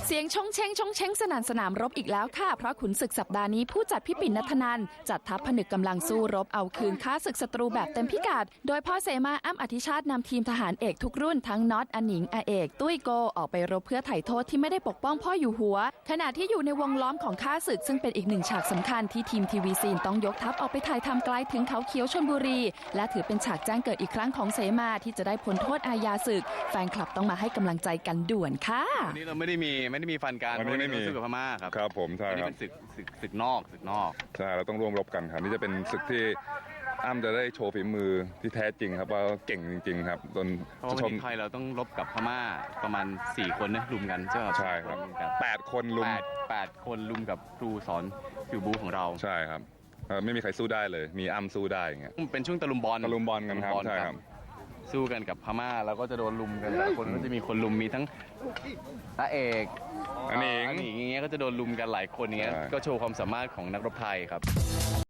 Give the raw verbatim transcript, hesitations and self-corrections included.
เสียงชงเชงชงเชงสนั่นสนามรบอีกแล้วค่ะเพราะขุนศึกสัปดาห์นี้ผู้จัดพี่ปิ่นณัฐนันท์จัดทัพผนึกกำลังสู้รบเอาคืนค้าศึกศัตรูแบบเต็มพิกัดโดยพ่อเสมาอ้ำอธิชาตินำทีมทหารเอกทุกรุ่นทั้งน็อตอนิงอาเอกตุ้ยโกออกไปรบเพื่อไถ่โทษที่ไม่ได้ปกป้องพ่ออยู่หัวขณะที่อยู่ในวงล้อมของค้าศึกซึ่งเป็นอีกหนึ่งฉากสำคัญที่ทีมทีวีซีนต้องยกทัพออกไปถ่ายทำไกลถึงเขาเขียวชลบุรีและถือเป็นฉากแจ้งเกิดอีกครั้งของเสมาที่จะได้พ้นโทษอาญาศึกแฟนคลับต้องมาให้กำลังใจกันด่วนค่ะวันนี้เราไม่ได้มีไม่ได้มีฟันกันวันนี้ไม่มีศึกกับพม่าครับครับผมใช่ครับอันนี้เป็นศึกศึกศึกนอกศึกนอกใช่เราต้องร่วมรบกันครับนี่จะเป็นศึกที่อ้ำจะได้โชว์ฝีมือที่แท้จริงครับว่าเก่งจริงๆครับจนเพราะว่าวันนี้ไทยเราต้องรบกับพม่าประมาณสี่คนนะลุมกันใช่ไหมใช่ครับแปดคนลุมแปดแปดคนลุมกับครูสอนฟิวบูของเราใช่ครับไม่มีใครสู้ได้เลยมีอ้ำสู้ได้อย่างเงี้ยเป็นช่วงตะลุมบอลตะลุมบอลกันครับใช่ครับสู้กันกับพม่าแล้วก็จะโดนลุมกันแต่ละคนก็จะมีคนลุมมีทั้งอาเอกอันนี้อย่างเงี้ยก็จะโดนลุมกันหลายคนอย่างเงี้ยก็โชว์ความสามารถของนักรบไทยครับ